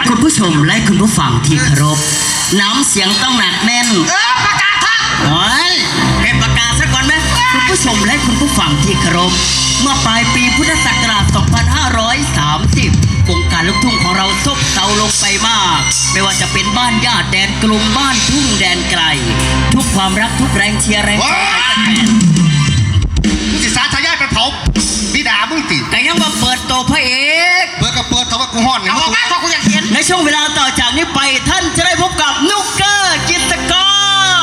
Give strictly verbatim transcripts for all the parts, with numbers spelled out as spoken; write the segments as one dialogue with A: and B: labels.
A: คุณผู้ชมและคุณผู้ฟังที่เคารพน้ำเสียงต้องหนักแน่นเออประกาศครับโอ้ยเก็บประกาศซะก่อนไหมคุณผู้ชมและคุณผู้ฟังที่เคารพเมื่อปลายปีพุทธศักราช สองพันห้าร้อยสามสิบ วงการลูกทุ่งของเราซบเซาลงไปมากไม่ว่าจะเป็นบ้านญาติแดนกลุ่มบ้านทุ่งแดนไกลทุกความรักทุกแรงเชียร์แรงใจของแฟน
B: สิสาทายายไปเผาบิดามึงติ
A: แต่ยังมาเปิดตัวพระเอก
B: เปิดก็เปิดแต่ว่ากูห่อนเนี่ยมึงเพราะกูอยากเห็น
A: ในช่วงเวลาต่อจากนี้ไปท่านจะได้พบกับนุกเกอร์กิตกร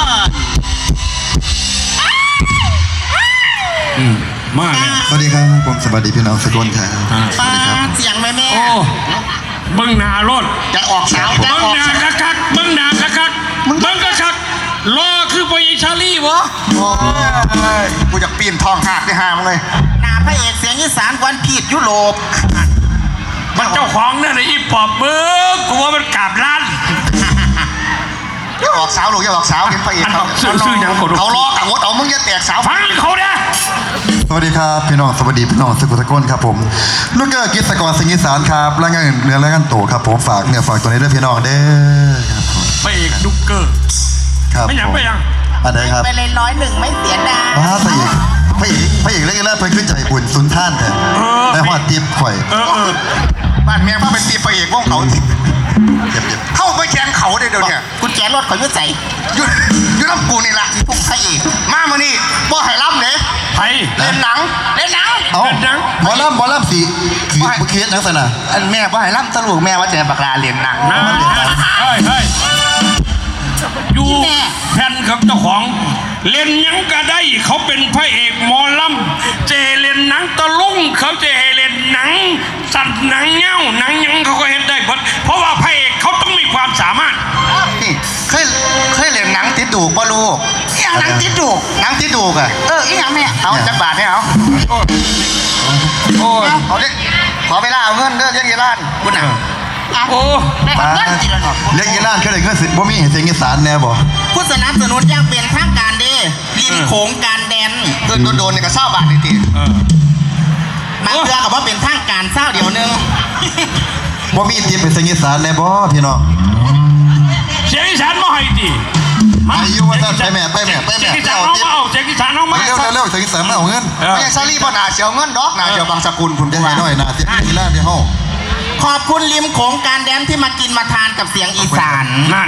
C: มากเลย
D: สวัสดีครับผมสวัสดีพี่น้องสกลครับสวัสดีครับ
B: เสียงแม่แม่
C: โอ้เบิ้งหนารถ
B: จะออกสาวจะ
C: เบิ้ง
B: ออก
C: หนาคักคักเบิ้งหนาคักคักเบิ้งคักคักรอคือไปชาลี่วะ
B: กูอยากปีนทองหักได้ห้ามเลยหนาพระเอกเสียงอีสานกวนพีดยุโรป
C: มันเจ้าของนั่นไอ้อีปอบเบิ้งกูว่ามันกราบล้าน
B: อย่าออกสาวลูกอย่าออกสาวเห็นพระเอกเขา
C: ซื่อๆอย่างคน
B: เขาล้อกับงดเอามึงอย่าแตกสาว
C: ฟังเขาเนี่ย
D: สวัสดีครับพี่น้องสวัสดีพี่น้องสกุลสกลครับผมลูกเกอร์กิตกรสิงห์อีสานครับและงานเนื้อและงานโตครับผมฝากเนี่ยฝากตัวนี้ด้วยพี่น้องเด้อครับผม
C: พระเอกดุกเกอร์
D: ครับ
C: ไม่ยังไม่ยัง
D: อันไหนครับ
B: ไปเลยร้อยหนึ่งไม่เสียดาย
D: ว้าพระเอกพระเอกพระเอกเล่นแรกไปขึ้นใจบุญสุนท่านแทนในหอดติ๊บข่อย
C: เออเออ
B: บ้านเมียพ่อเป็นตีพระเอกว่องเขา
D: เจ็บเจ็บ
B: เข้าไปแขนเขาได้เดี๋ยวนี้คุณแขนรถเขายุ่ใจยุ่ยุ่น้ำกูนี่แหละที่พวกพระเอกมามานี่บ่ให้รับเลย
C: ไทย
B: เล่นหนังเล่นหนัง
D: เอาบอลล่ำบอลล่ำสีคือบุเคสนักษณะ
B: อันแม่บ่ให้รับตลกแม่ว่าจะบักลาเล่นหนัง
C: นะเฮ้ยเฮ้ยอยู่แผ่นกับเจ้าของเล่นยังก็ได้เขาเป็นพระเอกหมอลำเจเล่นหนังตะลุงเขาเจเล่นหนังสัตว์หนังเงี้ยวหนังยังเขาก็เห็นได้เพราะว่าพระเอกเขาต้องมีความสามารถ
B: นี่เคยเคยเล่นหนังติดดูกบ่ลูกอย่างหนังติดดูกหนังติดดูกอะเอออีหยังแม่เอาจักบาทให้เอาโอ้ยเอาเด็กขอเวลาเอาเงินเด้อเลี้ยงยีร้านคุณน่ะ
C: โอ้
D: บ้าเลี้ยงยีร้านแค่ไหนเงินสิบ่มีเสียงอีสานแน่บ่
B: ผู้สนับสนุนยังเป็นทางการดีริมโขงการแดนโดนโดนเนี่ยก็เศร้าบาทนี่ทีมาเพื่อกับว่าเป็นทางการเศร้าเดี๋ยวนึง
D: บ่มีตีเป็นเสียงอีสานแน่บ่พี่น้อง
C: เสียงอีสานมาให้ดิ
D: มาอยู่ว่าไปแม่ไปแม่ไปแม่
C: เสียงอีสานน้องมาเอาเสียงอีสานน้องมา
D: เร็วเร็วเสียงอีสานมาเอาเงิน
B: ไม่ใช่ซาลี่พ่อหนาเสียวเงินดอกหนาเสียวบางสกุลคุณ
D: จะให้น้อยนาเสียงอีสานที่ห้อง
B: ขอบคุณริมโขงการแดนที่มากินมาทานกับเสียงอีสาน
C: นั่น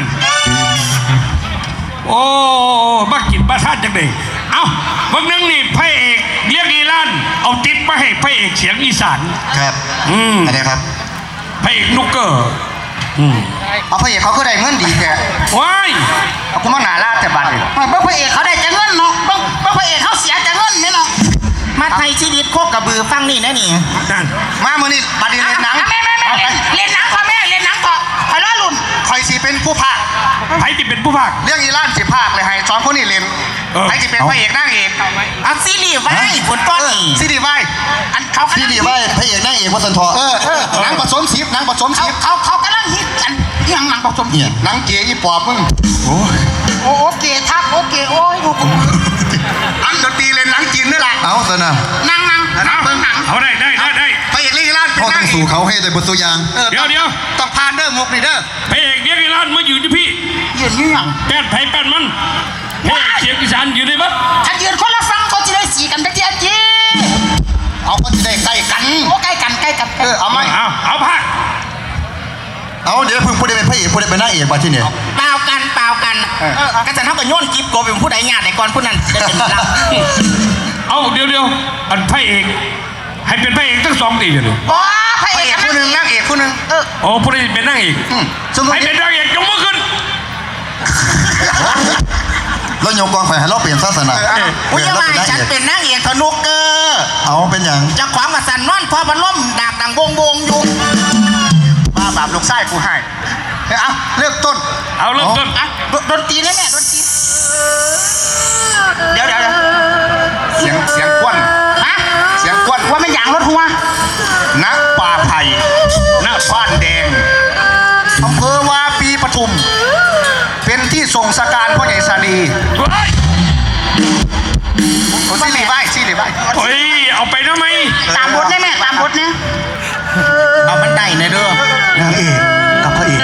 C: โอ้มากินมาทานจังเลยเอ้าวันนึงนี่พระเอกเรียกอีลั่นเอาติ๊บมาให้พระเอกเสียงอีสาน
D: ครับ
C: อืม
D: อะไรครับ
C: พระเอกนุกเกอร์อืม
B: เอาพระเอกเขาก็ได้เงินดีแค่
C: ว้าย
B: เอาคุณมาหนาลาดแต่บัตรเลยเมื่อพระเอกเขาได้จะเงินเนาะเมื่อพระเอกเขาเสียจะเงินนี่เนาะมาไทยชีวิตโคกกระบือฟังนี่นะนี่มาเมื่อนี่บัตรเล่นหนังเล่นหนังพ่อแม่เล่นหนังพ่อใครล้อลุ่นใครสิเป็นผู้พาก
C: ใครที่เป็นผู้พาก
B: เรื่องอีล่านสิพากเลยให้สองคนนี้เล่นใครที่เป็นพระเอกนางเอกอันซีรีส์ไว้ผลต้นซีรีส์ไว้อันเขา
D: ซีรีส์ไว้พระเอกนางเอกวัสันทอ
B: เออเออหนังผสมสีหนังผสมสีเขาเขากำลังฮิตกันยังหนังผสมสีหนังเก๋ยี่ปอบมึง
D: โอ้
B: โอ้โอเคทักโอเคโอ้ยกูอันดนตรีเล่นหนังจีนนี่แหละ
D: เอาซะนะ
B: นั่งนั่งนั่งเบิ่งหนัง
C: เอาได้ได้ได้ได้
B: พระเอกเรื่องอีล่าน
D: พ่อต้องสู่เขาให้ได้บทตัวอย่าง
C: เดี๋ยวเดี๋ยว
B: ต้องผ่านเด้อมุกนี่เด้อ
C: พระเอกเรียกอีลั่นมาอยู่ที่พี่
B: ยืนยืนยัง
C: แป้นไผ่แป้นมันพระเอกเสียงอีสานอยู่ในบัด
B: ถ้ายืนคนละฟังเขาจะได้สีกันไปเจียจีเอาก็จะได้ใกล้กันโอ้ใกล้กันใกล้กันเออเอาไหม
C: เอาเอาพัก
D: เอาเดี๋ยวพึ่งพูดได้เป็นพระเอกพูดได้เป็นนางเอกมาที่นี่
B: เปล่ากันเปล่ากันก็จะเท่ากับโยนกิฟโกเป็นผู้ใดญาติในก่อนผู้นั้นจะเป็นเรา
C: เอาเดี๋ยวเดี๋ยวอันพระเอกให้เป็นพระเอกทั้งสองตีเลย
B: อ๋อพระเอกผู้หนึ่งนางเอกผู้หนึ่งเออ
C: โอ้ผู้ใดเป็นนางเอกให้เป็นนางเอกยกมือขึ้น
D: แล้วโยกกองไฟให้เราเปลี่ยนศาสนา
B: ผู้ยังไงฉันเป็นนางเอกธนุกเกอร์
D: เอาเป็นอย่าง
B: จะขวางมาสั่นนอนพอพันล่มดากดังวงวงอยู่บ้าบาปลูกไส้กูให้เอาเลือกต้น
C: เอาเลือกต้น
B: ดนตรีนี่แม่ดนตรีเดี๋ยวเดี๋ยวเสียงเสียงกวนฮะเสียงกวนว่าไม่อย่างรถหัวนักป่าไผ่หน้าบ้านแดงอำเภอวาปีปทุมเป็นที่ส่งสการพ่อใหญ่สาลีซีรีส์ใบซีรีส์ใบ
C: เฮ้ยเอาไปได้ไหม
B: ตามบทได้ไหมตามบทเนี่ยเอามันได้ในเด้อนางเอกกับพระเอก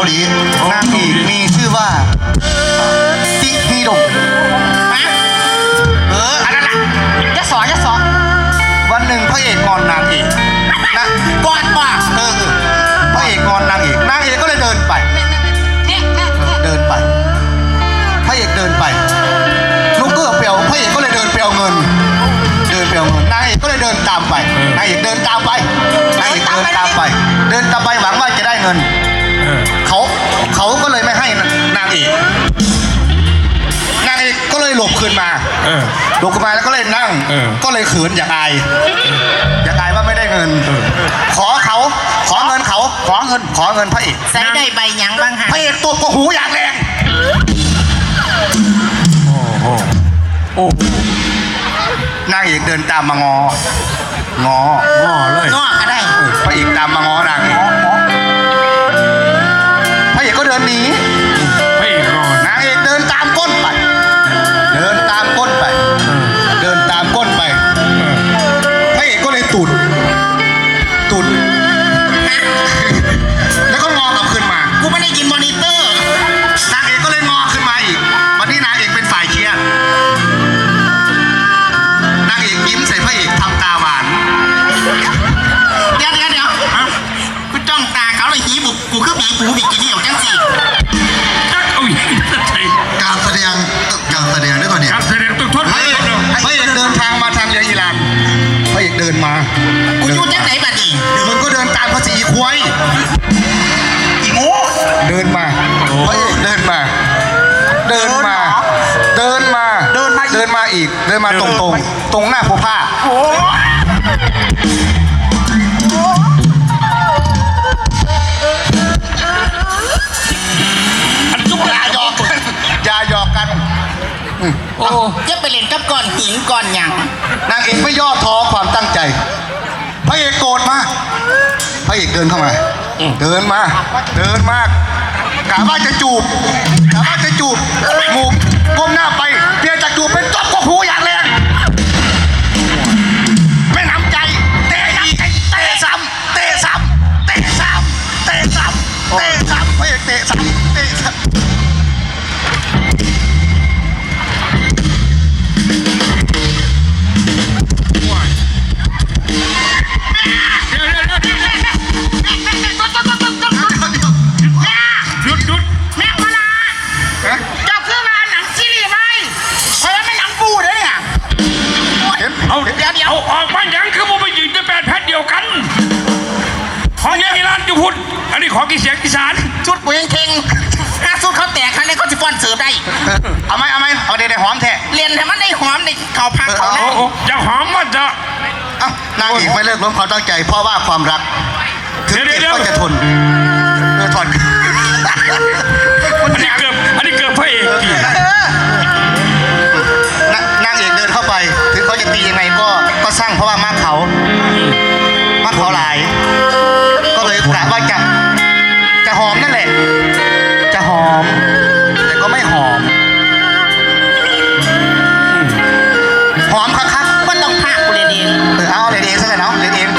D: หลีนางเอกมีชื่อว่าติฮีดง
B: เอออันนั้นล่ะจะสอนจะสอน
D: วันหนึ่งพระเอกงอนนางเอกนะ
B: ก่อนว่า
D: เออเออพระเอกงอนนางเอกนางเอกก็เลยเดินไป
B: เนี่ยเนี่ย
D: เดินไปพระเอกเดินไปลูกเกือเปียวพระเอกก็เลยเดินไปเอาเงิน เดินไปเอาเงินนางเอกก็เลยเดินตามไปนางเอกเดินตามไปนางเอกเดินตามไป เดินตามไปหวังว่าจะได้เงิน
C: เออ
D: เขาเขาก็เลยไม่ให้นางเอกนางเอกก็เลยหลบคืนมา
C: เออ
D: หลบคืนมาแล้วก็เลยนั่ง
C: เออ
D: ก็เลยเขินอยากอายอยากอายว่าไม่ได้เงิน ขอเขาขอเงินเขาขอเงินขอเงินพระเอก
B: ใส่ได้ใบหยังบ้างฮะ
D: พระเอกตบกหูอย่างแรง
C: โอ้โหโอ้โห
D: นางเอกเดินตามมางองอ
C: ง้อเลย
B: นอกก็ได้
D: พระเอกตามมางอนางเอกพระเอกก็เดินหนี
C: พระเอกงอน
D: นางเอกเดินตามก้นไป เดินตามก้นไป เดินตามก้นไป พระเอกก็เลยตุด ตุด แล้วก็งอกลับขึ้นมา
B: กูไม่ได้ยินมอนิเตอร์
D: นางเอกก็เลยงอขึ้นมาอีก วันนี้นางเอกเป็นฝ่ายเชียร์นางเอกยิ้มใส่พระเอกทำตาหวาน
B: เดี๋ยวเดี๋ยวเดี๋ยวกูจ้องตาเขาเลยหีบุกกูคือผีปูบิกินี่ของจังสิ
C: จักเอาอย่างนี้ใช่
D: การแสดงการแสดงด้วยตัวนี้
C: การแสดงต้องทด
D: พระเอกพระเอกเดินทางมาทางเรืออิหร่านพระเอกเดินมา
B: กูอยู่จังไหนบัดนี้
D: มึงก็เดินตามภาษีอีควาย
B: อีโง่
D: เดินมาพระเอกเดินมา เดินมา เดินมา
B: เดินมา
D: เดินมาอีก เดินมาตรงตรงๆตรงหน้าผู้ผ้า
B: โอ้
C: อันทุกอย่าง
D: หยอกกันอย่าหยอกกัน
C: โอ้
B: จะไปเล่นกับก้อนหินก้อนหยัง
D: นางเอกไม่ย่อท้อความตั้งใจ พระเอกโกรธมาพระเอกเดินเข้ามา เดินมา เดินมากะว่าจะจูบกะว่าจะจูบหมูก้มหน้าไปเปลี่ยนจากจูบเป็นตบกหูอย่างแรงไม่น้ำใจเตะอีกเตะซ้ำเตะซ้ำเตะซ้ำเตะซ้ำเตะซ้ำพระเอกเตะซ้ำเตะซ้ำ
C: เดี๋ยวเดี๋ยวเดี๋ยวเดี๋ยวหยุดหยุด
B: แม่มาลาเจ้าคือมาหนังซีรีส์ไหมเพราะว่ามันหนังปูเลยเนี่ย
C: เอา
B: เดี๋ยวเดี๋ยว
C: เอาออกมาอย่างคือมึงไปยืนในแปดแพทย์เดียวกันของยังอีรานจุพุนอันนี้ของกีเสียงอีสาน
B: ชุดกูยังเข่งถ้าสุดเขาแตกครั้งนี้เขาจะป้อนเสิร์ฟได้
D: เอาไหมเอาไหมเอาเดี๋ยวหอมแท้
B: เรียนให้มันได้หอมในเขาพักเขา
C: โอ้
B: นะ
C: โหจะหอมมันจะ
D: เอ้านางเอกไม่เลิกล้มความตั้งใจเพราะว่าความรักถึงเจ็บก็จะทนเออถอน
C: อันนี้เกือบอันนี้เกือบพระเอกดิ
D: นนางเอกเดินเข้าไปถึงเขาจะตียังไงก็ก็สร้างเพราะว่ามาร์คเขามาร์คเขาหลาย ก็เลยกะว่าจะจะหอมนั่นแหละ จะหอม แต่ก็ไม่หอม หอมคัก
B: ก็ต้องพากกูเรียนเอง
D: ๆเออเอาเลยเองซะเลยเนาะเลยเอง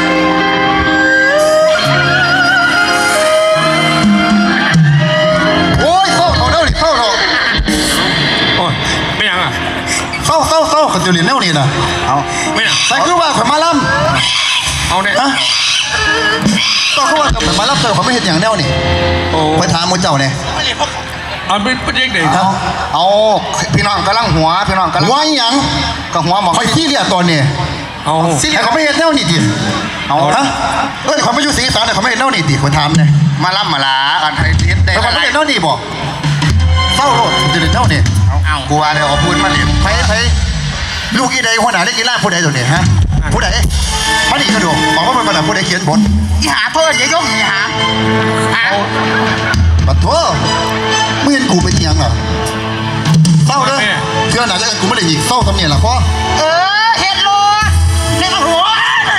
D: โอ้ยเศร้าเขาเด้อดิเศร้าเนาะ
C: โอ้ยไม่ยังอ่ะ
D: เศร้าเศร้าเศร้าเขาจะเรียนแนวนี้นะเอา
C: ไม่ยัง
D: ใส่คือว่าข่อยมาล่
C: เอาเนี่ย
D: ำฮะต้องคือว่าข่อยมาล่ำเติมเขาไม่เห็นอย่างแนวนี่
C: โอ้
D: ไปถามหมูเจ้าเนี่ย
C: เอาเป็นประเด็นไหน
D: เอาเอาพี่น้องกำลังหัวพี่น้องกำลังหัวอีหยังก็หัวหมองคอยที่เรียกตอนนี้
C: เอา
D: ที่เรียกเขาไม่เห็นแนวนี่ดิเอาฮะเอ้ยเขาไม่อยู่สีสานแต่เขาไม่เห็นแนวนี่ดิคนถามเนี่ยมาล่ำมาลาอันไทยเทียได้เขาไม่เห็นแนวนี่บอกเศร้าโลดจะเห็นแนวนี่เอากูว่าเดี๋ยวเอาพูดมาเรียนไปไปลูกอีใดหัวหน้าได้กีฬาผู้ใดตัวนี้ฮะผู้ใดมาดิกระดูกบอกว่ามันเป็นผู้ใดเขียนบท
B: อีหาโทษอย่ายกอีหาหา
D: ปะโถไม่เห็นกูเป็นยังอ่ะเศร้าเด้อเพื่อนไหนจะกันกูไม่ได้ยิงเศร้าทำเนี่ยล่ะพ่อ
B: เออเฮ็ดโลเล่นหัว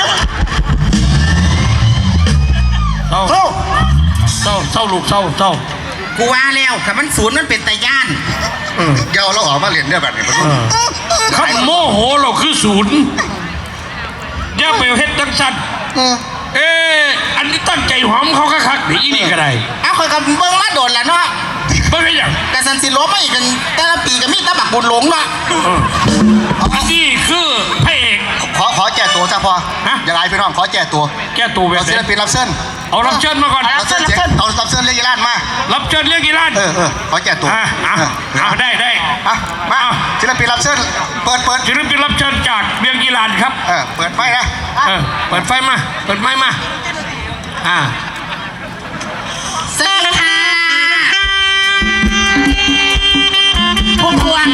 C: เศร้า
D: เศร้า
C: เศร้าเศร้าลูกเศร้าเศร้า
B: กูว่าแล้วถ้ามันศูนย์มันเป็นตาย่าน
D: เดี๋ยวเราออกมาเรียนเนี่ยแบบนี้มัน
C: ขันโมโหเราคือศูนย์อย่าไปเฮ็ดจังสันเอ๊ะอันนี้ตั้งใจหอมเขาคักๆเดี๋ยวอีนี่ก็ได้
B: เอาคอยกับเบิ้งมาโดดแหละเนาะ
C: เบิ่งได้ยัง
B: กระสันสิลบไม่กันแต่ละปีก็มีตะบักบุญหลงเนาะ
C: อันนี้คือพระเอก
D: ขอขอแก้ตัวจ้าพอ
C: ฮะ
D: อย่างไรพี่น้องขอแก้ตัว
C: แก้ตัวแบบ
D: เอา
C: ไห
D: ศิล
C: น
D: ปินรับเชิญ
C: เอารับเชิญมาก่อน
D: รับเชิญเสียงเอารับเชิญเรียกยีรานมา
C: รับเชิญเรียกกี่ล้าน
D: เออเออขอแก้ตัว
C: อ่ะอ่ะ
D: เออ
C: เอาได้ได้
D: อ่ะมาศิลปินรับเชิญเปิดเปิด
C: ศิลปินรับเชิญจากเรียงกีฬานครับ
D: เออเปิดไฟนะ
C: เออเปิดไฟมา เปิดไฟมา อ่า
B: สวัสดีค่ะพุ่มพวง